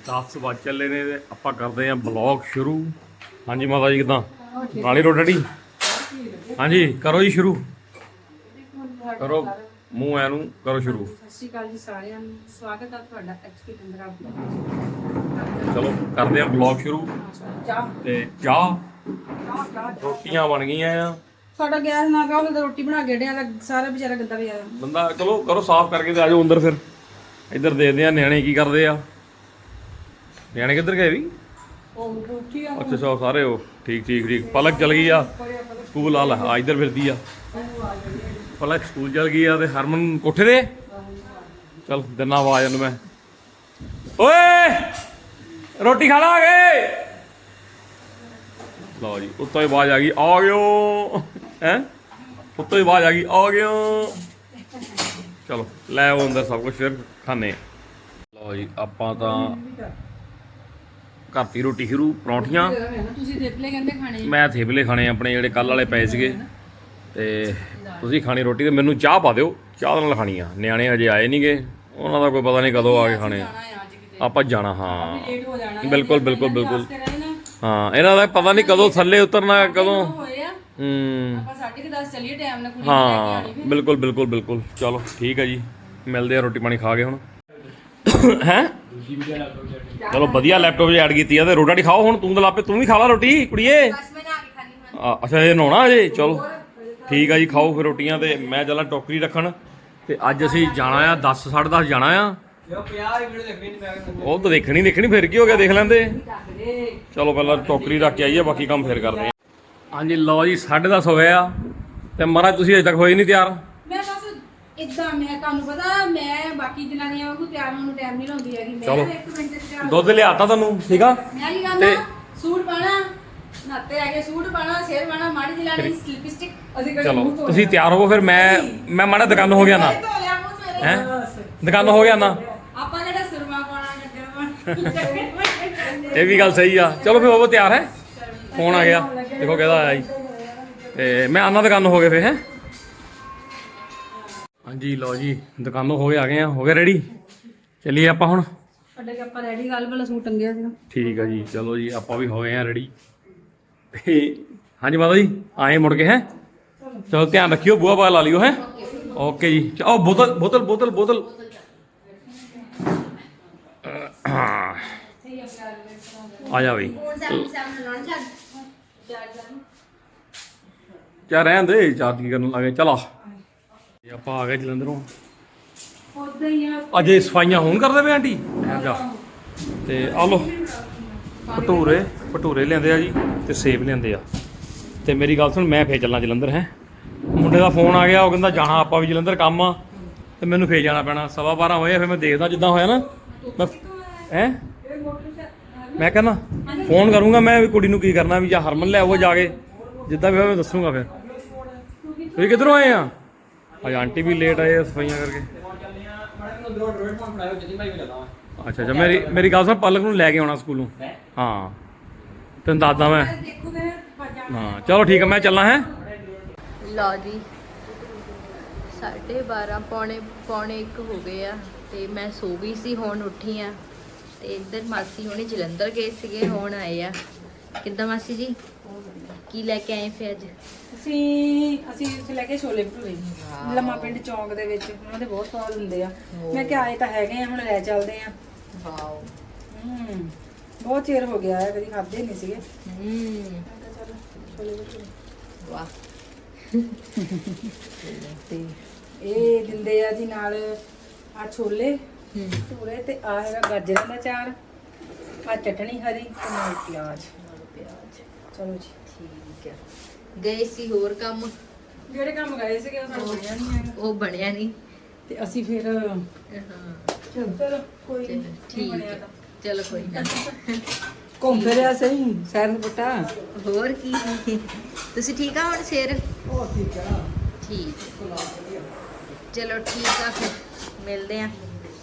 10 ਵੱਜ ਚੱਲੇ ਨੇ ਤੇ ਆਪਾਂ ਕਰਦੇ ਆਂ ਬਲੌਗ ਸ਼ੁਰੂ। ਹਾਂਜੀ ਮਾਤਾ ਜੀ ਕਿਦਾਂ ਨਾਲੇ ਰੋਟੀ? ਹਾਂਜੀ ਕਰੋ ਜੀ ਸ਼ੁਰੂ ਕਰੋ, ਮੂੰਹ ਐ ਨੂੰ ਕਰੋ ਸ਼ੁਰੂ। ਸਤਿ ਸ਼੍ਰੀ ਅਕਾਲ ਜੀ ਸਾਰਿਆਂ ਨੂੰ, ਸਵਾਗਤ ਹੈ ਤੁਹਾਡਾ ਐਚਪੀ ਟੰਦਰਾ। ਚਲੋ ਕਰਦੇ ਆਂ ਬਲੌਗ ਸ਼ੁਰੂ। ਤੇ ਚਾਹ ਰੋਟੀਆਂ ਬਣ ਗਈਆਂ ਆ। ਸਾਡਾ ਗੈਸ ਨਾ ਪਿਆ, ਉਹਨੇ ਰੋਟੀ ਬਣਾ ਕੇ ਡਿਆ ਦਾ ਸਾਰਾ ਵਿਚਾਰਾ ਗੰਦਾ ਪਿਆ। ਬੰਦਾ ਚਲੋ ਕਰੋ ਸਾਫ਼ ਕਰਕੇ ਤੇ ਆਜੋ ਅੰਦਰ। ਫਿਰ ਇੱਧਰ ਦੇਖਦੇ ਆ ਨਿਆਣੇ ਕੀ ਕਰਦੇ ਆ। ਨਿਆਣੇ ਕਿੱਧਰ ਗਏ ਵੀ? ਅੱਛਾ ਸਾਰੇ ਉਹ ਠੀਕ ਪਲਕ ਚਲ ਗਈ ਆ ਸਕੂਲ। ਆ ਇੱਧਰ ਫਿਰਦੀ ਆ ਪਲਕ, ਸਕੂਲ ਚਲ ਗਈ ਆ। ਤੇ ਹਰਮਨ ਕੋਠੇ ਤੇ। ਚਲ ਦਿਨਾ ਆਵਾਜ਼ ਉਹਨੂੰ ਮੈਂ, ਓਏ ਰੋਟੀ ਖਾ ਲਾ ਗਏ। ਲਓ ਜੀ ਉੱਤੋਂ ਹੀ ਆਵਾਜ਼ ਆ ਗਈ, ਆ ਗਿਓ। ਹੈਂ ਉੱਤੋਂ ਹੀ ਆਵਾਜ਼ ਆ ਗਈ, ਆ ਗਿਓ। ਚਲੋ ਲੈ ਆਓ ਅੰਦਰ ਸਭ ਕੁਛ, ਫਿਰ ਖਾਣੇ। ਲਓ ਜੀ ਆਪਾਂ ਤਾਂ ਘਰ ਦੀ ਰੋਟੀ ਸ਼ੁਰੂ। ਪਰੌਂਠੀਆਂ ਤੁਸੀਂ ਥੇਪਲੇ ਕਹਿੰਦੇ ਖਾਣੇ? ਮੈਂ ਥੇਪਲੇ ਖਾਣੇ ਆਪਣੇ ਜਿਹੜੇ ਕੱਲ ਵਾਲੇ ਪਏ ਸੀਗੇ। ਤੇ ਤੁਸੀਂ ਖਾਣੀ ਰੋਟੀ। ਤੇ ਮੈਨੂੰ ਚਾਹ ਪਾ ਦਿਓ, ਚਾਹ ਨਾਲ ਖਾਣੀ ਆ। ਨਿਆਣੇ ਹਜੇ ਆਏ ਨਹੀਂ ਗੇ, ਉਹਨਾਂ ਦਾ ਕੋਈ ਪਤਾ ਨਹੀਂ ਕਦੋਂ ਆ ਕੇ ਖਾਣੇ। ਆਪਾਂ ਜਾਣਾ, ਹਾਂ ਬਿਲਕੁਲ। ਹਾਂ ਇਹਨਾਂ ਦਾ ਪਤਾ ਨਹੀਂ ਕਦੋਂ ਥੱਲੇ ਉਤਰਨਾ, ਕਦੋਂ। ਹਾਂ ਬਿਲਕੁਲ। ਚਲੋ ਠੀਕ ਹੈ ਜੀ, ਮਿਲਦੇ ਆ ਰੋਟੀ ਪਾਣੀ ਖਾ ਕੇ ਹੁਣ। ਹੈਂ ਚਲੋ ਵਧੀਆ ਲੈਪਟਾਪ 'ਚ ਐਡ ਕੀਤੀ ਆ। ਤੇ ਰੋਟੀ ਖਾਓ ਹੁਣ। ਤੂੰ ਤਾਂ ਲਾਪੇ ਤੂੰ ਵੀ ਖਾ ਲਾ ਰੋਟੀ ਕੁੜੀਏ। ਅੱਛਾ ਇਹ ਨਹਾਉਣਾ ਅਜੇ? ਚਲੋ ਠੀਕ ਆ ਜੀ, ਖਾਓ ਫਿਰ ਰੋਟੀਆਂ। ਤੇ ਮੈਂ ਚੱਲਾਂ ਟੋਕਰੀ ਰੱਖਣ। ਤੇ ਅੱਜ ਅਸੀਂ ਜਾਣਾ ਆ 10 ਸਾਢੇ 10 ਜਾਣਾ ਆ। ਉਹ ਤਾਂ ਦੇਖਣੀ ਫਿਰ ਕੀ ਹੋ ਗਿਆ, ਦੇਖ ਲੈਂਦੇ। ਚਲੋ ਪਹਿਲਾਂ ਟੋਕਰੀ ਰੱਖ ਕੇ ਆਈਏ, ਬਾਕੀ ਕੰਮ ਫਿਰ ਕਰਦੇ ਆ। ਹਾਂਜੀ ਲਓ ਜੀ 10:30 ਹੋ ਗਏ ਆ। ਤੇ ਮਹਾਰਾਜ ਤੁਸੀਂ ਅਜੇ ਤੱਕ ਹੋਏ ਨਹੀਂ ਤਿਆਰ। ਮੈਂ ਬਸ ਇਦਾਂ, ਮੈਂ ਤੁਹਾਨੂੰ ਪਤਾ ਮੈਂ ਬਾਕੀ ਜਨਾਨੀਆਂ ਵਾਂਗੂ ਤਿਆਰ ਹੋਣ ਨੂੰ ਟਾਈਮ ਨਹੀਂ ਲਾਉਂਦੀ ਹੈਗੀ। ਚਲੋ ਮੈਂ 1 ਮਿੰਟ 'ਚ ਤਿਆਰ ਦੁੱਧ ਲਿਆਤਾ ਤੁਹਾਨੂੰ, ਠੀਕ ਆ। ਮੈਂ ਕੀ ਕਰਨਾ, ਸੂਟ ਪਾਣਾ, ਨਾਤੇ ਆ ਕੇ ਸੂਟ ਪਾਣਾ, ਸਿਰ ਪਾਣਾ, ਮਾੜੀ ਜਿਹੀ ਲਾਣੀ ਲਿਪਸਟਿਕ। ਅਸੀਂ ਚਲੋ ਤੁਸੀਂ ਤਿਆਰ ਹੋਵੋ, ਫਿਰ ਮੈਂ ਮਾੜਾ ਦੁਕਾਨ ਹੋ ਗਿਆ ਨਾ। ਹੈ ਦੁਕਾਨ ਹੋ ਗਿਆ ਨਾ, ਆਪਾਂ ਕਿਹੜਾ ਸੁਰਮਾ ਪਾਣਾ ਗੱਜਾ। ਇਹ ਵੀ ਗੱਲ ਸਹੀ ਆ। ਚਲੋ ਫਿਰ ਉਹ ਤਿਆਰ ਹੈ। ਫੋਨ ਆ ਗਿਆ, ਦੇਖੋ ਕਿਹਦਾ ਆਇਆ ਜੀ। ਤੇ ਮੈਂ ਆਨਾ ਦੁਕਾਨ ਹੋ ਗਏ ਫਿਰ। ਹੈ ਹਾਂਜੀ ਲਓ ਜੀ ਦੁਕਾਨੋਂ ਹੋ ਗਏ, ਆ ਗਏ ਆ, ਹੋ ਗਏ ਰੈਡੀ। ਚੱਲੀਏ ਆਪਾਂ ਹੁਣ। ਸਾਡੇ ਆਪਾਂ ਰੈਡੀ, ਗੱਲ ਵਾਲਾ ਸੂਟ ਟੰਗਿਆ ਸੀਗਾ। ਠੀਕ ਆ ਜੀ, ਚਲੋ ਜੀ ਆਪਾਂ ਵੀ ਹੋ ਗਏ ਆ ਰੈਡੀ। ਤੇ ਹਾਂਜੀ ਮਾਤਾ ਜੀ ਆਏ ਮੁੜ ਕੇ। ਹੈ ਚਲੋ ਧਿਆਨ ਰੱਖਿਓ, ਬੂਹਾ ਬਾਹਰ ਲਾ ਲਿਓ। ਹੈ ਓਕੇ ਜੀ। ਉਹ ਬੋਤਲ ਆ ਜਾ ਬਈ। ਕਿਆ ਰਹਿਣ ਦੇ, ਚਾਰਜ ਕੀ ਕਰਨ ਲੱਗੇ। ਚਲ ਆ ਆਪਾਂ ਆ ਗਏ ਜਲੰਧਰੋਂ। ਅਜੇ ਸਫਾਈਆਂ ਹੋਣ ਕਰਦੇ ਪਏ ਆਂਟੀ। ਤੇ ਆ ਲੋ ਭਟੂਰੇ ਲਿਆਂਦੇ ਆ ਜੀ, ਤੇ ਸੇਬ ਲਿਆਂਦੇ ਆ। ਤੇ ਮੇਰੀ ਗੱਲ ਸੁਣ, ਮੈਂ ਫੇਰ ਚੱਲਾਂ ਜਲੰਧਰ। ਹੈ ਮੁੰਡੇ ਦਾ ਫੋਨ ਆ ਗਿਆ, ਉਹ ਕਹਿੰਦਾ ਜਾਣਾ ਆਪਾਂ ਵੀ ਜਲੰਧਰ, ਕੰਮ ਆ। ਤੇ ਮੈਨੂੰ ਫੇਰ ਜਾਣਾ ਪੈਣਾ। 12:15 ਹੋਏ ਆ। ਫਿਰ ਮੈਂ ਦੇਖਦਾ ਜਿੱਦਾਂ ਹੋਇਆ ਨਾ। ਮੈਂ ਕਹਿੰਦਾ ਫੋਨ ਕਰੂੰਗਾ ਮੈਂ ਵੀ ਕੁੜੀ ਨੂੰ, ਕੀ ਕਰਨਾ ਵੀ, ਜਾਂ ਹਰਮਨ ਲੈ ਆਓ ਜਾ ਕੇ, ਜਿੱਦਾਂ ਵੀ ਹੋਇਆ ਮੈਂ ਦੱਸੂਗਾ। ਫਿਰ ਤੁਸੀਂ ਕਿੱਧਰੋਂ ਆਏ ਆ? ਅੱਜ ਆਂਟੀ ਵੀ ਲੇਟ ਆਏ ਆ ਸਫਾਈਆਂ ਕਰਕੇ। ਅੱਛਾ ਮੇਰੀ ਗੱਲ ਸੁਣ, ਪਲਕ ਨੂੰ ਲੈ ਕੇ ਆਉਣਾ ਸਕੂਲੋਂ। ਹਾਂ ਤੈਨੂੰ ਦੱਸਦਾ ਮੈਂ। ਹਾਂ ਚਲੋ ਠੀਕ ਹੈ, ਮੈਂ ਚੱਲਾਂ। ਹੈ ਲਓ ਜੀ 12:30 ਪੌਣੇ 1 ਹੋ ਗਏ ਆ। ਤੇ ਮੈਂ ਸੋ ਗਈ ਸੀ, ਹੁਣ ਉੱਠੀ ਆ। ਤੇ ਇੱਧਰ ਮਾਸੀ ਹੁਣੀ ਜਲੰਧਰ ਗਏ ਸੀਗੇ, ਹੁਣ ਆਏ ਆ। ਕਿੱਦਾਂ ਮਾਸੀ ਜੀ, ਕੀ ਲੈ ਕੇ ਆਏ ਫਿਰ ਅੱਜ? ਅਸੀਂ ਉੱਥੇ ਲੈ ਕੇ ਛੋਲੇ ਭਟੂਰੇ ਲੰਮਾ ਪਿੰਡ ਚੌਂਕ ਦੇ ਵਿੱਚ। ਉਹਨਾਂ ਦੇ ਬਹੁਤ ਸਵਾਦ ਹੁੰਦੇ ਆ। ਮੈਂ ਕਿਹਾ ਆਏ ਤਾਂ ਹੈਗੇ ਆ, ਹੁਣ ਲੈ ਚੱਲਦੇ ਆ। ਵਾਓ ਬਹੁਤ ਚਿਰ ਹੋ ਗਿਆ ਹੈ, ਕਦੀ ਖਾਦੇ ਨਹੀਂ ਸੀਗੇ। ਵਾਹ। ਤੇ ਇਹ ਦਿੰਦੇ ਆ ਜੀ ਨਾਲ ਆ ਛੋਲੇ ਭਟੂਰੇ, ਤੇ ਆ ਹੈਗਾ ਗਾਜਰਾਂ ਦਾ ਚਾਰ, ਆ ਚਟਣੀ ਹਰੀ, ਤੇ ਨਾਲ ਪਿਆਜ਼। ਚਲੋ ਜੀ ਠੀਕ ਹੈ। ਗਏ ਸੀ ਹੋਰ ਕੰਮ? ਜਿਹੜੇ ਕੰਮ ਗਏ ਸੀਗੇ ਉਹ ਸਾਨੂੰ ਬਣਿਆ ਨਹੀਂ ਹੈਗਾ। ਉਹ ਬਣਿਆ ਨਹੀਂ, ਤੇ ਅਸੀਂ ਫਿਰ ਚਲੋ ਕੋਈ ਨਹੀਂ, ਠੀਕ ਹੈ। ਚਲੋ ਕੋਈ ਨਾ, ਘੁੰਮ ਫਿਰਿਆ ਸਹੀ ਸੈਰ ਸਪਾਟਾ। ਹੋਰ ਕੀ। ਤੁਸੀਂ ਠੀਕ ਆ ਹੁਣ ਸਿਰ? ਠੀਕ ਆ। ਠੀਕ ਚਲੋ ਠੀਕ ਆ, ਫਿਰ ਮਿਲਦੇ ਆ।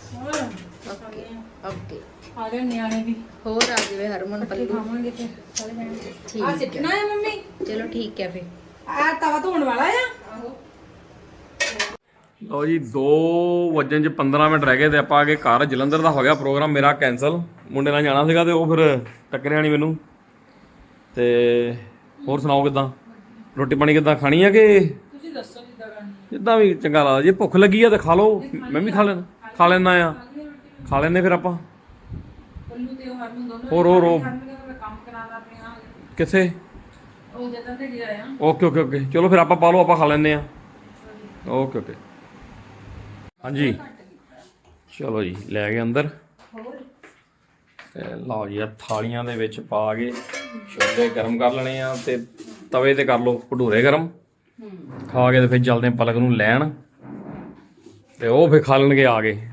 ਓਕੇ ਆ ਗਏ ਨਿਆਣੇ ਵੀ, ਹੋਰ ਆ ਜਾਵੇ ਹਰਮਨ ਪੱਲੂ। ਖਾਵਾਂਗੇ ਤੇ ਸਾਰੇ ਜਾਣੇ। ਠੀਕ ਆ ਸਿੱਟਣਾ ਹੈ ਮੰਮੀ? ਚਲੋ ਠੀਕ ਹੈ ਫਿਰ। ਆ ਤਵਾ ਧੋਣ ਵਾਲਾ ਆ। ਲਓ ਜੀ 2:15 ਰਹਿ ਗਏ ਤੇ ਆਪਾਂ ਆ ਕੇ ਘਰ। ਜਲੰਧਰ ਦਾ ਹੋ ਗਿਆ ਪ੍ਰੋਗਰਾਮ ਮੇਰਾ ਕੈਂਸਲ, ਮੁੰਡੇ ਨਾਲ ਜਾਣਾ ਸੀਗਾ ਤੇ ਉਹ ਫਿਰ ਟੱਕਰਿਆ ਨਹੀਂ ਮੈਨੂੰ। ਤੇ ਹੋਰ ਸੁਣਾਓ ਕਿੱਦਾਂ, ਰੋਟੀ ਪਾਣੀ ਕਿੱਦਾਂ ਖਾਣੀ ਆ ਕਿ ਤੁਸੀਂ ਦੱਸੋ ਕਿੱਦਾਂ ਕਰਨੀ? ਜਿੱਦਾਂ ਵੀ ਚੰਗਾ ਲੱਗਦਾ। ਜੇ ਭੁੱਖ ਲੱਗੀ ਆ ਤਾਂ ਖਾ ਲਓ, ਮੈਂ ਵੀ ਖਾ ਲੈਣਾ ਆ, ਖਾ ਲੈਂਦੇ ਫਿਰ ਆਪਾਂ। ਪੱਲੂ ਤੇ ਉਹ ਹਰਮਨ ਦੋਨੋਂ ਹੋਰ ਕੰਮ ਕਰਾਦਾ ਆਪਣੇ ਆ ਕਿੱਥੇ? ਉਹ ਜਦੋਂ ਤੇ ਗਿਆ ਆ। ਓਕੇ ਚਲੋ ਫਿਰ ਆਪਾਂ ਪਾ ਲਓ, ਆਪਾਂ ਖਾ ਲੈਂਦੇ ਆ। ਓਕੇ ਹਾਂਜੀ ਚਲੋ ਜੀ ਲੈ ਗਏ ਅੰਦਰ। ਤੇ ਲਓ ਜੀ ਆ ਥਾਲੀਆਂ ਦੇ ਵਿੱਚ ਪਾ ਕੇ ਛੋਲੇ ਗਰਮ ਕਰ ਲੈਣੇ ਆ ਤੇ ਤਵੇ ਤੇ ਕਰ ਲਓ ਭਟੂਰੇ ਗਰਮ। ਖਾ ਕੇ ਤੇ ਫਿਰ ਚੱਲਦੇ ਪਲਕ ਨੂੰ ਲੈਣ ਤੇ ਉਹ ਫਿਰ ਖਾ ਲੈਣਗੇ ਆ ਗਏ।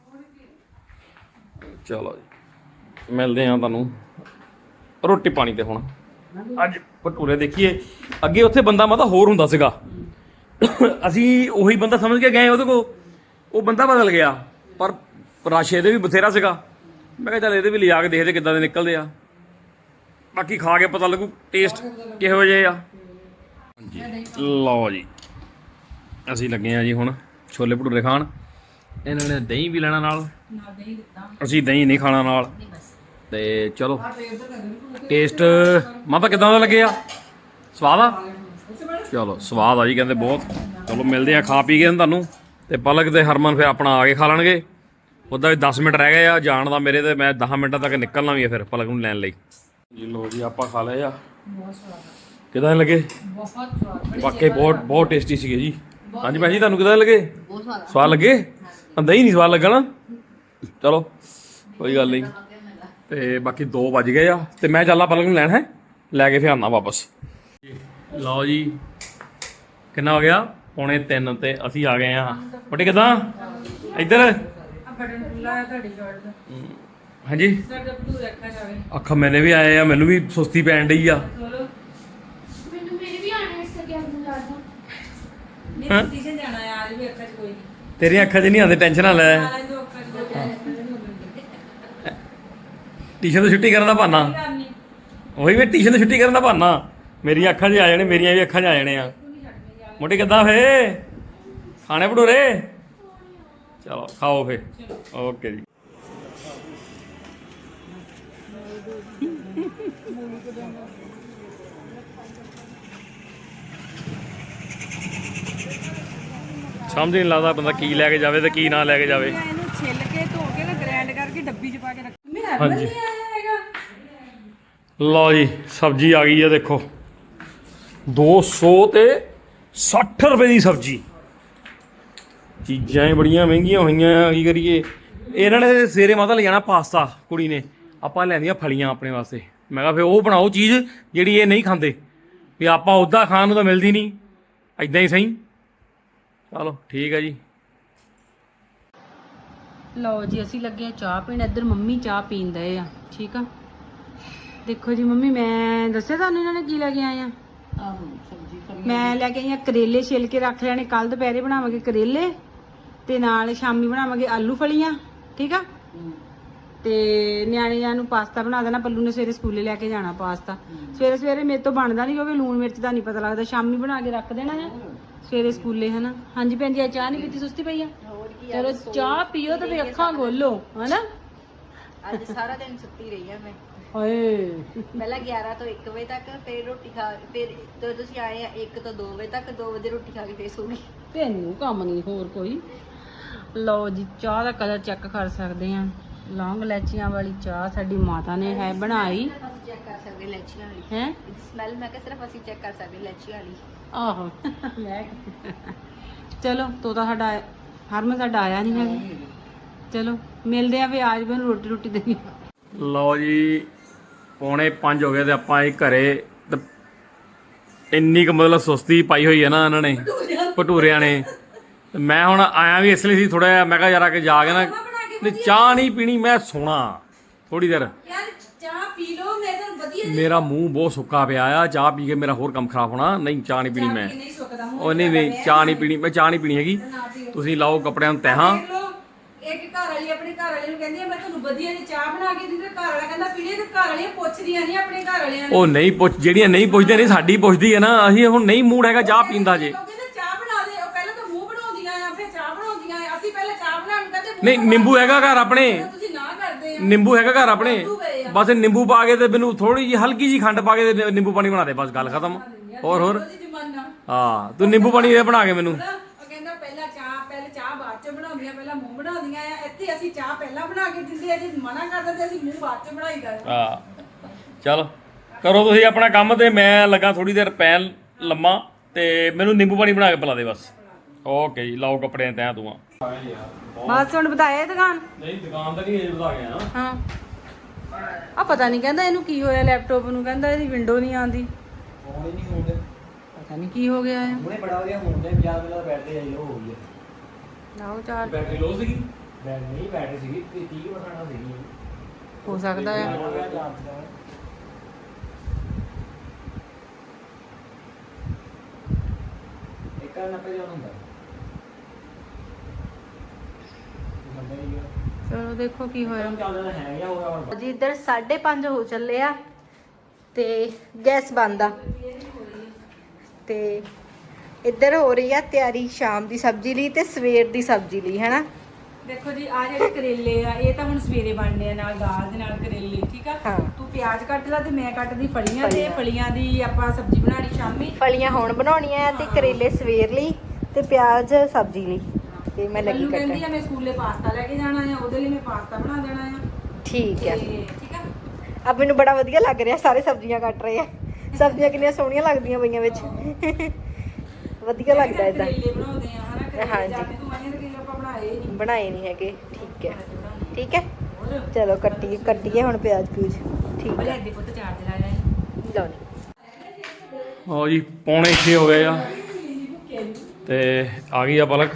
ਚਲੋ ਜੀ ਮਿਲਦੇ ਆ ਤੁਹਾਨੂੰ ਰੋਟੀ ਪਾਣੀ ਤੇ। ਹੁਣ ਅੱਜ ਭਟੂਰੇ ਦੇਖੀਏ, ਅੱਗੇ ਉੱਥੇ ਬੰਦਾ ਮਤਲਬ ਹੋਰ ਹੁੰਦਾ ਸੀਗਾ, ਅਸੀਂ ਉਹੀ ਬੰਦਾ ਸਮਝ ਕੇ ਗਏ ਉਹਦੇ ਕੋਲ, ਉਹ ਬੰਦਾ ਬਦਲ ਗਿਆ। ਪਰ ਰਸ਼ ਇਹਦੇ ਵੀ ਬਥੇਰਾ ਸੀਗਾ। ਮੈਂ ਕਿਹਾ ਚੱਲ ਇਹਦੇ ਵੀ ਲਿਜਾ ਕੇ ਦੇਖਦੇ ਕਿੱਦਾਂ ਦੇ ਨਿਕਲਦੇ ਆ, ਬਾਕੀ ਖਾ ਕੇ ਪਤਾ ਲੱਗੂ ਟੇਸਟ ਕਿਹੋ ਜਿਹੇ ਆ। ਹਾਂਜੀ ਲਓ ਜੀ ਅਸੀਂ ਲੱਗੇ ਆ ਜੀ ਹੁਣ ਛੋਲੇ ਭਟੂਰੇ ਖਾਣ। ਇਹਨਾਂ ਨੇ ਦਹੀਂ ਵੀ ਲੈਣਾ ਨਾਲ, ਅਸੀਂ ਦਹੀਂ ਨਹੀਂ ਖਾਣਾ ਨਾਲ। ਤੇ ਚਲੋ ਟੇਸਟ ਮਾਤਾ ਕਿੱਦਾਂ ਦਾ ਲੱਗਿਆ? ਸਵਾਦ ਆ? ਚਲੋ ਸਵਾਦ ਆ ਜੀ ਕਹਿੰਦੇ ਬਹੁਤ। ਚਲੋ ਮਿਲਦੇ ਆ ਖਾ ਪੀ ਕੇ ਤੁਹਾਨੂੰ। ਤੇ ਪਲਕ ਤੇ ਹਰਮਨ ਫਿਰ ਆਪਣਾ ਆ ਕੇ ਖਾ ਲੈਣਗੇ। ਉੱਦਾਂ ਵੀ 10 ਮਿੰਟ ਰਹਿ ਗਏ ਆ ਜਾਣ ਦਾ ਮੇਰੇ, ਤੇ ਮੈਂ 10 ਮਿੰਟਾਂ ਤੱਕ ਨਿਕਲਣਾ ਵੀ ਆ ਫਿਰ ਪਲਕ ਨੂੰ ਲੈਣ ਲਈ ਜੀ। ਲੋ ਜੀ ਆਪਾਂ ਖਾ ਲਏ ਆ। ਕਿੱਦਾਂ ਲੱਗੇ? ਵਾਕਈ ਬਹੁਤ ਟੇਸਟੀ ਸੀਗੇ ਜੀ। ਹਾਂਜੀ ਭੈਣ ਜੀ ਤੁਹਾਨੂੰ ਕਿੱਦਾਂ ਲੱਗੇ? ਸਵਾਦ ਲੱਗੇ? ਦਹੀਂ ਨਹੀਂ ਸਵਾਦ ਲੱਗਾ ਨਾ? ਚਲੋ ਕੋਈ ਗੱਲ ਨਹੀਂ। ਤੇ ਬਾਕੀ 2 ਵੱਜ ਗਏ ਆ ਤੇ ਮੈਂ ਚੱਲਾਂ ਪਲਕ ਨੂੰ ਲੈਣ, ਹੈ ਲੈ ਕੇ ਫਿਰ ਆਉਣਾ ਵਾਪਸ। ਲਓ ਜੀ ਕਿੰਨਾ ਹੋ ਗਿਆ? 2:45 ਤੇ ਅਸੀਂ ਆ ਗਏ ਆ। ਬਟੇ ਕਿੱਦਾਂ ਇੱਧਰ? ਹਾਂਜੀ ਅੱਖਾਂ ਮੈਨੇ ਵੀ ਆਏ ਆ, ਮੈਨੂੰ ਵੀ ਸੁਸਤੀ ਪੈਣ ਡਈ ਆ। ਤੇਰੀਆਂ ਅੱਖਾਂ 'ਚ ਨਹੀਂ ਆਉਂਦੇ, ਟੈਨਸ਼ਨ ਨਾ ਲੈ। ਟਿਊਸ਼ਨ ਤੋਂ ਛੁੱਟੀ ਕਰਨ ਦਾ ਬਹਾਨਾ, ਉਹੀ ਵੀ ਟਿਊਸ਼ਨ ਤੋਂ ਛੁੱਟੀ ਕਰਨ ਦਾ ਬਹਾਨਾ। ਮੇਰੀਆਂ ਅੱਖਾਂ 'ਚ ਆ ਜਾਣੇ, ਮੇਰੀਆਂ ਵੀ ਅੱਖਾਂ 'ਚ ਆ ਜਾਣੇ ਆ। ਮੋਟੀ ਕਿੱਦਾਂ ਫੇ ਖਾਣੇ ਭਟੂਰੇ? ਚਲੋ ਖਾਓ ਫੇ। ਓਕੇ ਜੀ। ਸਮਝ ਨਹੀਂ ਲੱਗਦਾ ਬੰਦਾ ਕੀ ਲੈ ਕੇ ਜਾਵੇ ਤੇ ਕੀ ਨਾ ਲੈ ਕੇ ਜਾਵੇ। ਇਹਨੂੰ ਛਿੱਲ ਕੇ ਧੋ ਕੇ ਨਾ ਗ੍ਰਾਈਂਡ ਕਰਕੇ ਡੱਬੀ 'ਚ ਪਾ ਕੇ ਰੱਖ। ਹਾਂਜੀ ਲਓ ਜੀ ਸਬਜ਼ੀ ਆ ਗਈ ਆ ਦੇਖੋ। 260 ਰੁਪਏ ਦੀ ਸਬਜ਼ੀ। ਚੀਜ਼ਾਂ ਹੀ ਬੜੀਆਂ ਮਹਿੰਗੀਆਂ ਹੋਈਆਂ, ਕੀ ਕਰੀਏ। ਇਹਨਾਂ ਨੇ ਸਵੇਰੇ ਮਾਤਾ ਲੈ ਜਾਣਾ ਪਾਸਤਾ, ਕੁੜੀ ਨੇ। ਆਪਾਂ ਲੈਂਦੀਆਂ ਫਲੀਆਂ ਆਪਣੇ ਵਾਸਤੇ। ਮੈਂ ਕਿਹਾ ਫਿਰ ਉਹ ਬਣਾਓ ਚੀਜ਼ ਜਿਹੜੀ ਇਹ ਨਹੀਂ ਖਾਂਦੇ, ਵੀ ਆਪਾਂ ਉੱਦਾਂ ਖਾਣ ਨੂੰ ਤਾਂ ਮਿਲਦੀ ਨਹੀਂ, ਇੱਦਾਂ ਹੀ ਸਹੀ। ਚਲੋ ਠੀਕ ਹੈ ਜੀ। ਲਓ ਜੀ ਅਸੀਂ ਲੱਗੇ ਆ ਚਾਹ ਪੀਣ। ਇੱਧਰ ਮੰਮੀ ਚਾਹ ਪੀਣ ਦਏ ਆ। ਠੀਕ ਆ ਦੇਖੋ ਜੀ ਮੰਮੀ, ਮੈਂ ਦੱਸਿਆ ਤੁਹਾਨੂੰ ਇਹਨਾਂ ਨੇ ਕੀ ਲੈ ਕੇ ਆਏ ਆ। ਮੈਂ ਲੈ ਕੇ ਆਈ ਆ ਕਰੇਲੇ ਛਿੱਲ ਕੇ ਰੱਖ ਲੈਣੇ, ਕੱਲ ਦੁਪਹਿਰੇ ਬਣਾਵਾਂਗੇ ਕਰੇਲੇ ਤੇ ਨਾਲ ਸ਼ਾਮੀ ਬਣਾਵਾਂਗੇ ਆਲੂ ਫਲੀਆਂ। ਠੀਕ ਆ ਤੇ ਨਿਆਣਿਆਂ ਨੂੰ ਪਾਸਤਾ ਬਣਾ ਦੇਣਾ। ਪੱਲੂ ਨੇ ਸਵੇਰੇ ਸਕੂਲੇ ਲੈ ਕੇ ਜਾਣਾ ਪਾਸਤਾ। ਸਵੇਰੇ ਸਵੇਰੇ ਮੇਰੇ ਤੋਂ ਬਣਦਾ ਨਹੀਂ ਕਿਉਂਕਿ ਲੂਣ ਮਿਰਚ ਦਾ ਨਹੀਂ ਪਤਾ ਲੱਗਦਾ। ਸ਼ਾਮੀ ਬਣਾ ਕੇ ਰੱਖ ਦੇਣਾ ਹੈ ਸਵੇਰੇ ਸਕੂਲੇ, ਹਨਾ। ਹਾਂਜੀ ਭੈਣ ਜੀ ਚਾਹ ਨਹੀਂ ਪੀਤੀ, ਸੁਸਤੀ ਪਈ ਆ? ਚਲੋ ਚਾਹ ਪੀਓ ਤੇ ਅੱਖਾਂ ਖੋਲੋ, ਹਨਾ। ਅੱਜ ਸਾਰਾ ਦਿਨ ਸੁੱਤੀ ਰਹੀ ਆ ਮੈਂ। ਓਏ ਪਹਿਲਾਂ 11 ਤੋਂ 1 ਵਜੇ ਤੱਕ, ਫਿਰ ਰੋਟੀ ਖਾ, ਫਿਰ ਜਦੋਂ ਤੁਸੀਂ ਆਏ ਆ 1 ਤੋਂ 2 ਵਜੇ ਤੱਕ, 2 ਵਜੇ ਰੋਟੀ ਖਾ ਕੇ ਫੇਰ ਸੋ ਗਈ। ਤੈਨੂੰ ਕੰਮ ਨਹੀਂ ਹੋਰ ਕੋਈ। ਲਓ ਜੀ ਚਾਹ ਦਾ ਕਲਰ ਚੈੱਕ ਕਰ ਸਕਦੇ ਆ। ਲੌਂਗ ਇਲਾਚੀਆਂ ਵਾਲੀ ਚਾਹ ਸਾਡੀ ਮਾਤਾ ਨੇ ਹੈ ਬਣਾਈ। ਅਸੀਂ ਚੈੱਕ ਕਰ ਸਕਦੇ ਇਲਾਚੀਆਂ ਵਾਲੀ ਹੈ ਸਮੈਲ। ਮੈਂ ਕਿਹਾ ਸਿਰਫ ਅਸੀਂ ਚੈੱਕ ਕਰ ਸਕਦੇ ਇਲਾਚੀਆਂ ਵਾਲੀ। ਆਹੋ ਚਲੋ ਤੋਤਾ ਸਾਡਾ ਹਰਮਨ ਸਾਡਾ ਆਇਆ ਨਹੀਂ ਹੈਗਾ। ਚਲੋ ਮਿਲਦੇ ਆ ਵੀ ਆਜ ਮੈਨੂੰ ਰੋਟੀ ਰੋਟੀ ਦੇਣੀ। ਲਓ ਜੀ 4:45 ਹੋ ਗਏ ਤੇ ਆਪਾਂ ਇਹ ਘਰੇ। ਤੇ ਇੰਨੀ ਕੁ ਮਤਲਬ ਸੁਸਤੀ ਪਾਈ ਹੋਈ ਹੈ ਨਾ ਇਹਨਾਂ ਨੇ ਭਟੂਰਿਆਂ ਨੇ। ਤੇ ਮੈਂ ਹੁਣ ਆਇਆ ਵੀ ਇਸ ਲਈ ਸੀ ਥੋੜਾ ਜਿਹਾ। ਮੈਂ ਕਿਹਾ ਯਾਰ ਆ ਕੇ ਜਾ ਕੇ ਨਾ ਚਾਹ ਨਹੀਂ ਪੀਣੀ, ਮੈਂ ਸੋਣਾ ਥੋੜੀ ਦੇਰ। ਯਾਰ ਚਾਹ ਪੀ ਲਓ, ਮੈਂ ਤਾਂ ਵਧੀਆ। ਮੇਰਾ ਮੂੰਹ ਬਹੁਤ ਸੁੱਕਾ ਪਿਆ ਆ, ਚਾਹ ਪੀ ਕੇ ਮੇਰਾ ਹੋਰ ਕੰਮ ਖਰਾਬ ਹੋਣਾ। ਨਹੀਂ ਚਾਹ ਨਹੀਂ ਪੀਣੀ ਮੈਂ। ਉਹ ਨਹੀਂ ਚਾਹ ਨਹੀਂ ਪੀਣੀ, ਮੈਂ ਚਾਹ ਨਹੀਂ ਪੀਣੀ ਹੈਗੀ। ਤੁਸੀਂ ਲਾਓ ਕੱਪੜਿਆਂ ਨੂੰ ਤੈਹਾਂ। ਇੱਕ ਘਰ ਵਾਲੀ ਆਪਣੇ ਘਰ ਵਾਲੇ ਨੂੰ ਕਹਿੰਦੀ ਆ ਮੈਂ ਤੁਹਾਨੂੰ ਵਧੀਆ ਜਿਹੀ ਚਾਹ ਬਣਾ ਕੇ ਦਿੰਦੀ, ਘਰ ਵਾਲਾ ਕਹਿੰਦਾ ਪੀਣੀ। ਤੇ ਘਰ ਵਾਲੀਆਂ ਪੁੱਛਦੀਆਂ ਨਹੀਂ ਆਪਣੇ ਘਰ ਵਾਲਿਆਂ ਨੂੰ। ਉਹ ਨਹੀਂ ਪੁੱਛ, ਜਿਹੜੀਆਂ ਨਹੀਂ ਪੁੱਛਦੀਆਂ ਨਹੀਂ ਸਾਡੀ ਪੁੱਛਦੀ ਹੈ ਨਾ। ਅਸੀਂ ਹੁਣ ਨਹੀਂ ਮੂਡ ਹੈਗਾ ਚਾਹ ਪੀਣ ਦਾ ਜੇ। ਚਾਹ ਬਣਾ ਦੇ, ਉਹ ਪਹਿਲਾਂ ਤਾਂ ਮੂੰਹ ਬਣਾਉਂਦੀਆਂ ਆ, ਕੇ ਚਾਹ ਬਣਾਉਂਦੀਆਂ ਆ। ਅਸੀਂ ਪਹਿਲਾਂ ਚਾਹ ਬਣਾਉਣ ਕਹਿੰਦੇ ਨਹੀਂ ਨਿੰਬੂ ਹੈਗਾ ਘਰ ਆਪਣੇ, ਤੁਸੀਂ ਨਾ ਕਰਦੇ ਆ। ਨਿੰਬੂ ਹੈਗਾ ਘਰ ਆਪਣੇ, ਬਸ ਨਿੰਬੂ ਪਾ ਕੇ ਤੇ ਮੈਨੂੰ ਥੋੜੀ ਜਿਹੀ ਹਲਕੀ ਜੀ ਖੰਡ ਪਾ ਕੇ ਤੇ ਨਿੰਬੂ ਪਾਣੀ ਬਣਾ ਦੇ, ਬਸ ਗੱਲ ਖਤਮ। ਹੋਰ ਹਾਂ ਤੂੰ ਨਿੰਬੂ ਪਾਣੀ ਬਣਾ ਕੇ ਮੈਨੂੰ। ਉਹ ਕਹਿੰਦਾ ਪਹਿਲਾਂ ਚਾਹ ਬਾਅਦ ਚ ਬਣਾਉਂਦੀਆਂ, ਪਹਿਲਾਂ ਮੂੰਹ ਬਣਾਉਂਦੀਆਂ ਆ। ਇੱਥੇ ਅਸੀਂ ਚਾਹ ਪਹਿਲਾਂ ਬਣਾ ਕੇ ਦਿੰਦੇ ਆ, ਜੇ ਮਨਾ ਕਰਦੇ ਤੇ ਅਸੀਂ ਮੂੰਹ ਬਾਅਦ ਚ ਬਣਾਈਦਾ। ਹਾਂ ਚਲ ਕਰੋ ਤੁਸੀਂ ਆਪਣਾ ਕੰਮ ਤੇ ਮੈਂ ਲੱਗਾ ਥੋੜੀ ਦੇਰ ਪੈ ਲੰਮਾ ਤੇ ਮੈਨੂੰ ਨਿੰਬੂ ਪਾਣੀ ਬਣਾ ਕੇ ਪਿਲਾ ਦੇ ਬਸ। ਓਕੇ ਜੀ ਲਾਓ ਕੱਪੜੇ ਤੈਂ ਤੂੰ ਬਸ ਹੁਣ ਬਤਾਇਆ ਦੁਕਾਨ। ਨਹੀਂ ਦੁਕਾਨ ਤਾਂ ਨਹੀਂ ਅਜੇ ਬਤਾ ਗਿਆ ਹਾਂ ਆ ਪਤਾ ਨਹੀਂ ਕਹਿੰਦਾ ਇਹਨੂੰ ਕੀ ਹੋਇਆ ਲੈਪਟਾਪ ਨੂੰ, ਕਹਿੰਦਾ ਇਹਦੀ ਵਿੰਡੋ ਨਹੀਂ ਆਉਂਦੀ। ਫੋਨ ਹੀ ਨਹੀਂ ਹੁੰਦੇ, ਪਤਾ ਨਹੀਂ ਕੀ ਹੋ ਗਿਆ ਹੈ। ਹੁਣੇ ਬੜਾ ਵਧੀਆ ਹੁੰਦੇ 50 ਮਿੰਟ ਦਾ ਬੈਟਰੀ ਆਈ ਹੋ ਗਈ ਹੈ। ਲਾਓ ਚਾਰ ਬੈਟਰੀ ਲੋ ਸੀਗੀ, ਬੈਟਰੀ ਸੀਗੀ 30% ਸੀਗੀ। ਹੋ ਸਕਦਾ ਹੈ। ਇੱਕ ਨਾਲ ਨੱਪੇ ਜਾਣ ਹੁੰਦਾ ਚਲੋ ਦੇਖੋ ਕੀ ਹੋਇਆ। ਚੱਲਦਾ ਹੈ ਜਾਂ ਹੋਗਾ ਹੁਣ ਜੀ ਇੱਧਰ 5:30 ਹੋ ਚੱਲੇ ਆ ਤੇ ਗੈਸ ਬੰਦ ਆ ਤੇ ਇੱਧਰ ਹੋ ਰਹੀ ਆ ਤਿਆਰੀ ਸ਼ਾਮ ਦੀ ਸਬਜ਼ੀ ਲਈ ਤੇ ਸਵੇਰ ਦੀ ਸਬਜ਼ੀ ਲਈ, ਹੈਨਾ। ਦੇਖੋ ਜੀ ਆ ਜਿਹੜੇ ਕਰੇਲੇ ਆ ਇਹ ਤਾਂ ਹੁਣ ਸਵੇਰੇ ਬਣਨੇ ਆ ਨਾਲ ਦਾਲ ਦੇ ਨਾਲ ਕਰੇਲੇ, ਠੀਕ ਆ। ਤੂੰ ਪਿਆਜ਼ ਕੱਟ ਲਾ ਤੇ ਮੈਂ ਕੱਟਦੀ ਫਲੀਆਂ, ਤੇ ਫਲੀਆਂ ਦੀ ਆਪਾਂ ਸਬਜ਼ੀ ਬਣਾਣੀ ਸ਼ਾਮੀ। ਫਲੀਆਂ ਹੁਣ ਬਣਾਉਣੀਆਂ ਤੇ ਕਰੇਲੇ ਸਵੇਰ ਲਈ ਤੇ ਪਿਆਜ਼ ਸਬਜ਼ੀ ਲਈ। ਤੇ ਮੈਂ ਲੱਗੀ ਕੱਟਣ। ਕਹਿੰਦੀ ਆ ਮੈਂ ਸਕੂਲੇ ਪਾਸਤਾ ਲੈ ਕੇ ਜਾਣਾ ਆ, ਉਹਦੇ ਲਈ ਮੈਂ ਪਾਸਤਾ ਬਣਾ ਦੇਣਾ ਆ। ਠੀਕ ਹੈ ਠੀਕ ਆ। ਅਬ ਮੈਨੂੰ ਬੜਾ ਵਧੀਆ ਲੱਗ ਰਿਹਾ, ਸਾਰੇ ਸਬਜ਼ੀਆਂ ਕੱਟ ਰਹੇ ਆ। ਸਬਜ਼ੀਆਂ ਕਿੰਨੀਆਂ ਸੋਹਣੀਆਂ ਲੱਗਦੀਆਂ ਪਈਆਂ ਵਿੱਚ, ਵਧੀਆ ਲੱਗਦਾ ਇਦਾਂ। ਬਣਾਉਂਦੇ ਆ ਹਨਾ। ਹਾਂਜੀ ਬਣਾਏ ਨਹੀਂ ਹੈਗੇ। ਠੀਕ ਹੈ ਠੀਕ ਹੈ ਚਲੋ ਕੱਟੀਏ ਹੁਣ ਪਿਆਜ਼ ਪਿਊਜ਼। ਠੀਕ ਹੈ ਲਓ ਹਾਂ ਜੀ 5:45 ਹੋ ਗਏ ਆ ਤੇ ਆ ਗਈ ਆ ਪਲਕ।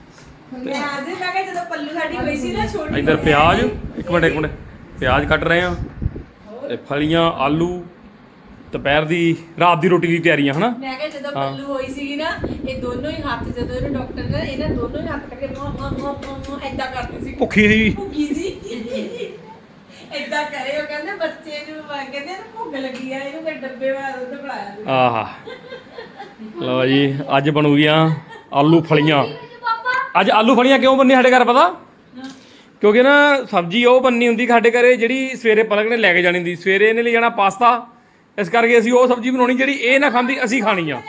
ਇੱਧਰ ਪਿਆਜ਼ ਇੱਕ ਮਿੰਟ ਪਿਆਜ਼ ਕੱਟ ਰਹੇ ਆ ਤੇ ਫਲੀਆਂ ਆਲੂ ਦੁਪਹਿਰ ਦੀ ਰਾਤ ਦੀ ਰੋਟੀ ਦੀ ਤਿਆਰੀਆਂ ਹਨਾ। ਮੈਂ ਕਿਹਾ ਜਦੋਂ ਪੱਲੂ ਹੋਈ ਸੀਗੀ ਨਾ ਇਹ ਦੋਨੋਂ ਹੀ ਹੱਥ, ਜਦੋਂ ਇਹਨੂੰ ਡਾਕਟਰ ਨੇ ਇਹਨਾਂ ਦੋਨੋਂ ਹੀ ਹੱਥ ਕਰਕੇ ਏਦਾਂ ਕਰਦੀ ਸੀ। ਭੁੱਖੀ ਸੀ ਏਦਾਂ ਕਰੇ। ਉਹ ਕਹਿੰਦੇ ਬੱਚੇ ਨੂੰ ਕਹਿੰਦੇ ਇਹਨੂੰ ਭੁੱਖ ਲੱਗੀ ਆ, ਇਹਨੂੰ ਕੋਈ ਡੱਬੇ ਵਾਲਾ ਦੁੱਧ ਪਿਲਾਇਆ। ਆਹਾ ਲਓ ਜੀ ਅੱਜ ਬਣੂਗੀਆਂ ਆਲੂ ਫਲੀਆਂ। ਅੱਜ ਆਲੂ ਫਲੀਆਂ ਕਿਉਂ ਬੰਨੀ ਸਾਡੇ ਘਰ ਪਤਾ? ਕਿਉਂਕਿ ਨਾ ਸਬਜ਼ੀ ਉਹ ਬੰਨੀ ਹੁੰਦੀ ਸਾਡੇ ਘਰੇ ਜਿਹੜੀ ਸਵੇਰੇ ਪਲਕ ਨੇ ਲੈ ਕੇ ਜਾਣੀ ਹੁੰਦੀ। ਸਵੇਰੇ ਇਹਨੇ ਲੈ ਜਾਣਾ ਪਾਸਤਾ, ਇਸ ਕਰਕੇ ਅਸੀਂ ਉਹ ਸਬਜ਼ੀ ਬਣਾਉਣੀ ਜਿਹੜੀ ਇਹ ਨਾ ਖਾਂਦੀ, ਅਸੀਂ ਖਾਣੀ ਆ।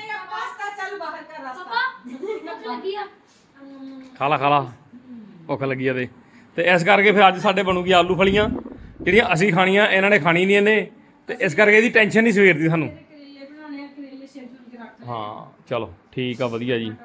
ਖਾ ਲਾ ਭੁੱਖ ਲੱਗੀ ਆ ਤੇ ਇਸ ਕਰਕੇ ਫਿਰ ਅੱਜ ਸਾਡੇ ਬਣੂਗੀ ਆਲੂ ਫਲੀਆਂ ਜਿਹੜੀਆਂ ਅਸੀਂ ਖਾਣੀਆਂ, ਇਹਨਾਂ ਨੇ ਖਾਣੀ ਨਹੀਂ ਇਹਨੇ, ਤੇ ਇਸ ਕਰਕੇ ਇਹਦੀ ਟੈਨਸ਼ਨ ਨਹੀਂ ਸਵੇਰ ਦੀ ਸਾਨੂੰ। ਹਾਂ ਚਲੋ ਠੀਕ ਆ ਵਧੀਆ ਜੀ।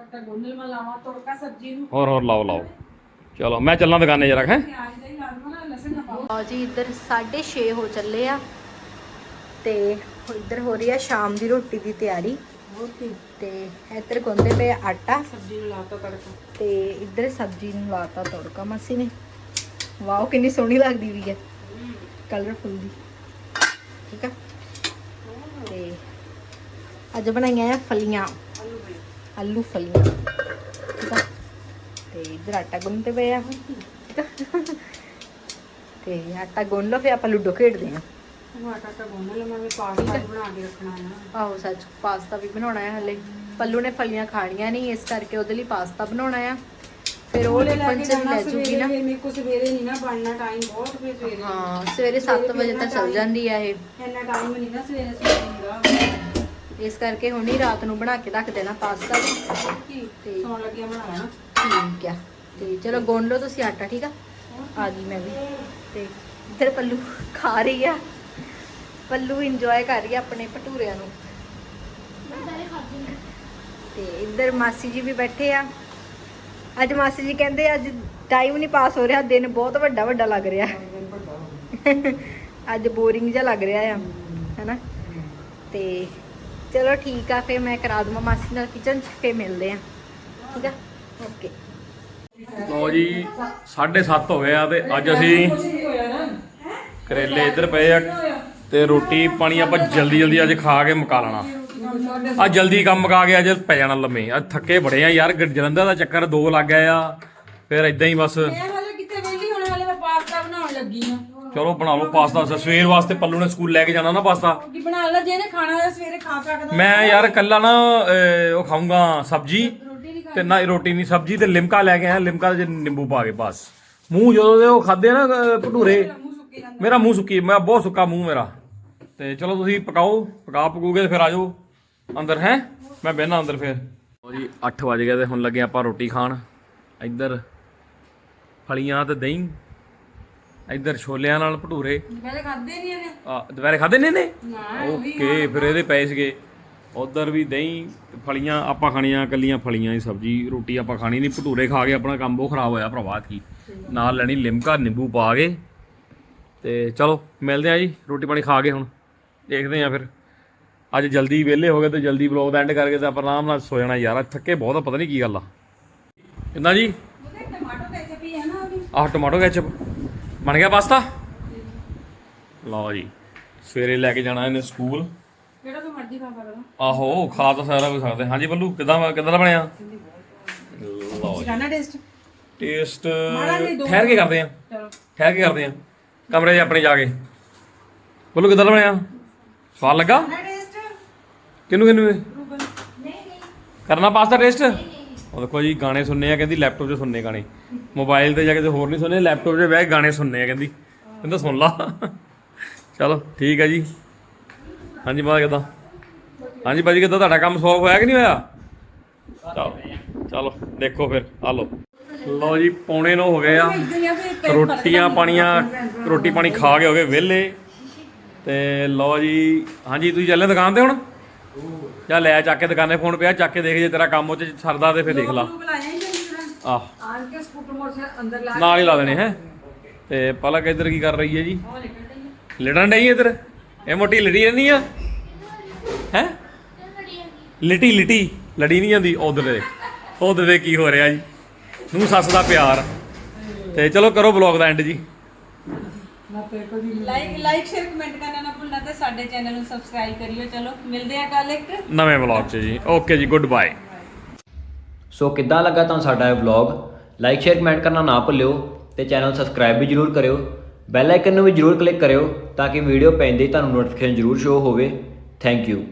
ਹੋਰ ਲਾਓ ਚਲੋ ਮੈਂ ਚੱਲਾਂ ਦੁਕਾਨੇ ਜਰਾ ਹੈ। ਲਓ ਜੀ ਇੱਧਰ 6:30 ਹੋ ਚੱਲੇ ਆ ਤੇ ਇੱਧਰ ਹੋ ਰਹੀ ਆ ਸ਼ਾਮ ਦੀ ਰੋਟੀ ਦੀ ਤਿਆਰੀ। ਤੇ ਇੱਧਰ ਗੁੰਨਦੇ ਪਏ ਆਟਾ, ਸਬਜ਼ੀ ਨੂੰ ਲਾਤਾ ਤੜਕਾ, ਤੇ ਇੱਧਰ ਸਬਜ਼ੀ ਨੂੰ ਲਾਤਾ ਤੜਕਾ ਮਾਸੀ ਨੇ। ਵਾਓ ਕਿੰਨੀ ਸੋਹਣੀ ਲੱਗਦੀ ਵੀ ਹੈ, ਕਲਰਫੁਲ ਦੀ। ਠੀਕ ਆ ਤੇ ਅੱਜ ਬਣਾਈਆਂ ਆ ਫਲੀਆਂ, ਆਲੂ ਫਲੀਆਂ। ਠੀਕ ਆ ਤੇ ਇੱਧਰ ਆਟਾ ਗੁੰਨਦੇ ਪਏ ਆ। ਠੀਕ ਆ ਤੇ ਆਟਾ ਗੁੰਨ ਲਓ ਫਿਰ ਆਪਾਂ ਲੁੱਡੋ ਖੇਡਦੇ ਆ। ਆਟਾ ਗੁੰਨ ਲਓ, ਮੈਂ ਪਾਸਤਾ ਬਣਾ ਕੇ ਰੱਖਣਾ ਆ। ਆਹੋ ਸੱਚ ਪਾਸਤਾ ਵੀ ਬਣਾਉਣਾ ਹੈ ਹਲੇ। ਪੱਲੂ ਨੇ ਫਲੀਆਂ ਖਾਣੀਆਂ ਨਹੀਂ, ਇਸ ਕਰਕੇ ਉਹਦੇ ਲਈ ਪਾਸਤਾ ਬਣਾਉਣਾ ਆ। ਫਿਰ ਉਹ ਟਿਫਨ ਚ ਵੀ ਲੈ ਜੂਗੀ ਨਾ। ਮੇਰੇ ਕੋ ਸਵੇਰੇ ਨਹੀਂ ਨਾ ਬਣਨਾ, ਟਾਈਮ ਬਹੁਤ ਫਿਰ ਸਵੇਰੇ। ਹਾਂ ਸਵੇਰੇ 7 ਵਜੇ ਤੱਕ ਚੱਲ ਜਾਂਦੀ ਆ ਇਹ। ਇੰਨਾ ਟਾਈਮ ਨਹੀਂ ਨਾ ਸਵੇਰੇ ਹੁੰਦਾ, ਇਸ ਕਰਕੇ ਹੁਣ ਹੀ ਰਾਤ ਨੂੰ ਬਣਾ ਕੇ ਰੱਖ ਦੇਣਾ ਪਾਸਤਾ ਵੀ। ਤੇ ਸੌਣ ਲੱਗਿਆ ਬਣਾਉਣਾ। ਠੀਕ ਆ ਤੇ ਚਲੋ ਗੁੰਨ ਲਓ ਤੁਸੀਂ ਆਟਾ। ਠੀਕ ਆ ਗਈ ਮੈਂ ਵੀ। ਤੇ ਇੱਧਰ ਪੱਲੂ ਖਾ ਰਹੀ ਆ, ਪੱਲੂ ਇੰਜੋਏ ਕਰ ਰਹੀ ਆ ਆਪਣੇ ਭਟੂਰਿਆਂ ਨੂੰ। ਤੇ ਇੱਧਰ ਮਾਸੀ ਜੀ ਵੀ ਬੈਠੇ ਆ। ਅੱਜ ਮਾਸੀ ਜੀ ਕਹਿੰਦੇ ਅੱਜ ਟਾਈਮ ਨਹੀਂ ਪਾਸ ਹੋ ਰਿਹਾ, ਦਿਨ ਬਹੁਤ ਵੱਡਾ ਲੱਗ ਰਿਹਾ। ਅੱਜ ਬੋਰਿੰਗ ਜਿਹਾ ਲੱਗ ਰਿਹਾ ਆ ਹੈਨਾ। ਤੇ ਚਲੋ ਠੀਕ ਆ ਫਿਰ ਮੈਂ ਕਰਾ ਦਵਾਂ ਮਾਸੀ ਨਾਲ ਕਿਚਨ 'ਚ, ਫਿਰ ਮਿਲਦੇ ਆ। ਠੀਕ ਆ ਓਕੇ। ਲਓ ਜੀ 7:30 ਹੋ ਗਏ ਆ ਤੇ ਅੱਜ ਅਸੀਂ ਕਰੇਲੇ ਇੱਧਰ ਪਏ ਆ ਤੇ ਰੋਟੀ ਪਾਣੀ ਆਪਾਂ ਜਲਦੀ ਅੱਜ ਖਾ ਕੇ ਮੁਕਾ ਲੈਣਾ। ਅੱਜ ਜਲਦੀ ਕੰਮ ਮੁਕਾ ਕੇ ਅੱਜ ਪੈ ਜਾਣਾ ਲੰਮੇ। ਅੱਜ ਥੱਕੇ ਬੜੇ ਆ ਯਾਰ, ਜਲੰਧਰ ਦਾ ਚੱਕਰ 2 ਲੱਗ ਗਏ ਆ, ਫਿਰ ਇਦਾਂ ਹੀ ਬਸ। ਚਲੋ ਬਣਾ ਲਓ ਪਾਸਤਾ। ਸਵੇਰ ਵਾਸਤੇ ਪੱਲੂ ਨੇ ਸਕੂਲ ਲੈ ਕੇ ਜਾਣਾ ਨਾ ਪਾਸਤਾ। ਬਣਾ ਲੈ ਜਿਹਨੇ ਖਾਣਾ ਸਵੇਰੇ ਖਾ ਸਕਦਾ। ਮੈਂ ਯਾਰ ਕੱਲਾ ਨਾ ਉਹ ਖਾਊਂਗਾ ਸਬਜ਼ੀ ਤੇ ਨਾ ਰੋਟੀ ਨਹੀਂ ਸਬਜ਼ੀ ਤੇ ਲਿਮਕਾ ਲੈ ਕੇ ਆਇਆ ਲਿਮਕਾ ਚ ਨਿੰਬੂ ਪਾ ਕੇ ਬਸ ਮੂੰਹ ਜਦੋਂ ਦੇ ਉਹ ਖਾਦੇ ਨਾ ਭਟੂਰੇ ਮੇਰਾ ਮੂੰਹ ਸੁੱਕੀ ਮੈਂ ਬਹੁਤ ਸੁੱਕਾ ਮੂੰਹ ਮੇਰਾ ਤੇ ਚਲੋ ਤੁਸੀਂ ਪਕਾ ਪਕੂਗੇ ਫਿਰ ਆ ਜਾਓ ਅੰਦਰ ਹੈ ਮੈਂ ਬਹਿਣਾ ਅੰਦਰ ਫਿਰ ਜੀ 8 ਵਜ ਗਏ ਤੇ ਹੁਣ ਲੱਗੇ ਆਪਾਂ ਰੋਟੀ ਖਾਣ ਇੱਧਰ ਫਲੀਆਂ ਤੇ ਦਹੀਂ ਇੱਧਰ ਛੋਲਿਆਂ ਨਾਲ ਭਟੂਰੇ ਦੁਪਹਿਰੇ ਖਾਦੇ ਨਹੀਂ ਇਹਨੇ ਦੁਪਹਿਰੇ ਖਾਦੇ ਨੇ ਓਕੇ ਫਿਰ ਇਹਦੇ ਪਏ ਸੀਗੇ ਉਧਰ ਵੀ ਦਹੀਂ ਫਲੀਆਂ ਆਪਾਂ ਖਾਣੀਆਂ ਕੱਲੀਆਂ ਫਲੀਆਂ ਦੀ ਸਬਜ਼ੀ ਰੋਟੀ ਆਪਾਂ ਖਾਣੀ ਨਹੀਂ ਭਟੂਰੇ ਖਾ ਕੇ ਆਪਣਾ ਕੰਮ ਬਹੁਤ ਖਰਾਬ ਹੋਇਆ ਭਰਾਵਾ ਕੀ ਨਾਲ ਲੈਣੀ ਲਿਮਕਾ ਨਿੰਬੂ ਪਾ ਕੇ ਤੇ ਚਲੋ ਮਿਲਦੇ ਆ ਜੀ ਰੋਟੀ ਪਾਣੀ ਖਾ ਕੇ ਹੁਣ ਦੇਖਦੇ ਆ ਫਿਰ ਅੱਜ ਜਲਦੀ ਵਿਹਲੇ ਹੋ ਗਏ ਤੇ ਜਲਦੀ ਵਲੌਗ ਦਾ ਐਂਡ ਕਰਕੇ ਤੇ ਆਪਾਂ ਆਰਾਮ ਨਾਲ ਸੋ ਜਾਣਾ ਯਾਰ ਥੱਕੇ ਬਹੁਤ ਆ ਪਤਾ ਨਹੀਂ ਕੀ ਗੱਲ ਆ ਕਿੰਨਾ ਜੀ ਆਹ ਟਮਾਟੋ ਕੈਚਪ ਬਣ ਗਿਆ ਪਾਸਤਾ ਲਓ ਜੀ ਸਵੇਰੇ ਲੈ ਕੇ ਜਾਣਾ ਇਹਨੇ ਸਕੂਲ ਜਿਹੜਾ ਤੂੰ ਮਰਜ਼ੀ ਖਾ ਸਕਦਾ ਆਹੋ ਖਾ ਤਾਂ ਸਾਰਾ ਕੁਝ ਸਕਦੇ ਹਾਂਜੀ ਬੱਲੂ ਕਿਦਾਂ ਦਾ ਬਣਿਆ ਲਓ ਜੀ ਖਾਣਾ ਟੇਸਟ ਠਹਿਰ ਕੇ ਕਰਦੇ ਆ ਠਹਿਰ ਕੇ ਕਰਦੇ ਆ ਕਮਰੇ 'ਚ ਆਪਣੇ ਜਾ ਕੇ ਬੱਲੂ ਕਿਦਾਂ ਦਾ ਬਣਿਆ ਸਵਾਦ ਲੱਗਾ ਕਿਹਨੂੰ ਕਰਨਾ ਪਾਸਤਾ ਟੇਸਟ ਉਹ ਦੇਖੋ ਜੀ ਗਾਣੇ ਸੁਣਨੇ ਆ ਕਹਿੰਦੀ ਲੈਪਟਾਪ 'ਚ ਸੁਣਨੇ ਗਾਣੇ ਮੋਬਾਈਲ ਤੇ ਜਾ ਕੇ ਹੋਰ ਨਹੀਂ ਸੁਣਨੇ ਲੈਪਟਾਪ 'ਚ ਬਹਿ ਕੇ ਗਾਣੇ ਸੁਣਨੇ ਆ ਕਹਿੰਦਾ ਸੁਣ ਲਾ ਚਲੋ ਠੀਕ ਹੈ ਜੀ ਹਾਂਜੀ ਬਾਤ ਕਿੱਦਾਂ ਹਾਂਜੀ ਭਾਜੀ ਕਿੱਦਾਂ ਤੁਹਾਡਾ ਕੰਮ ਸੋਲਵ ਹੋਇਆ ਕਿ ਨਹੀਂ ਹੋਇਆ ਚਲੋ ਦੇਖੋ ਫਿਰ ਆ ਲਓ ਜੀ 8:45 ਹੋ ਗਏ ਆ ਰੋਟੀ ਪਾਣੀ ਖਾ ਕੇ ਹੋ ਗਏ ਵਿਹਲੇ ਤੇ ਲਓ ਜੀ ਹਾਂਜੀ ਤੁਸੀਂ ਚੱਲੇ ਦੁਕਾਨ ਤੇ ਹੁਣ ਚੱਲ ਲੈ ਚੱਕ ਕੇ ਦੁਕਾਨੇ ਫੋਨ ਪਿਆ ਚੱਕ ਕੇ ਦੇਖ ਜੇ ਤੇਰਾ ਕੰਮ ਉਹ 'ਚ ਸਰਦਾ ਤੇ ਫਿਰ ਦੇਖ ਲਾ ਆਹ ਨਾਲ ਹੀ ਲਾ ਦੇਣੇ ਹੈ ਤੇ ਪਲਕ ਇੱਧਰ ਕੀ ਕਰ ਰਹੀ ਹੈ ਜੀ ਲਿਟਣ ਡਈ ਇੱਧਰ ਇਹ ਮੋਟੀ ਲੜੀ ਰਹਿੰਦੀ ਆ ਹੈ ਲਿਟੀ ਲੜੀ ਨਹੀਂ ਜਾਂਦੀ ਉਧਰ ਦੇ ਕੀ ਹੋ ਰਿਹਾ ਜੀ ਨੂੰ ਸੱਸ ਦਾ ਪਿਆਰ ਤੇ ਚਲੋ ਕਰੋ ਬਲੌਗ ਦਾ ਐਂਡ ਜੀ ਲਾਈਕ ਸ਼ੇਅਰ ਕਮੈਂਟ ਕਰਨਾ ਨਾ ਭੁੱਲਣਾ ਤੇ ਸਾਡੇ ਚੈਨਲ ਨੂੰ ਸਬਸਕ੍ਰਾਈਬ ਕਰਿਓ ਚਲੋ ਮਿਲਦੇ ਆ ਕੱਲ ਇੱਕ ਨਵੇਂ ਬਲੌਗ 'ਚ ਜੀ ਓਕੇ ਜੀ ਗੁੱਡ ਬਾਏ ਸੋ ਕਿੱਦਾਂ ਲੱਗਾ ਤੁਹਾਨੂੰ ਸਾਡਾ ਇਹ ਵਲੌਗ ਲਾਈਕ ਸ਼ੇਅਰ ਕਮੈਂਟ ਕਰਨਾ ਨਾ ਭੁੱਲਿਓ ਤੇ ਚੈਨਲ ਸਬਸਕ੍ਰਾਈਬ ਵੀ ਜਰੂਰ ਕਰਿਓ ਬੈਲ ਆਈਕਨ ਨੂੰ ਵੀ ਜਰੂਰ ਕਲਿੱਕ ਕਰਿਓ ਤਾਂ ਕਿ ਵੀਡੀਓ ਪੈਂਦੇ ਹੀ ਤੁਹਾਨੂੰ ਨੋਟੀਫਿਕੇਸ਼ਨ ਜਰੂਰ ਸ਼ੋ ਹੋਵੇ ਥੈਂਕ ਯੂ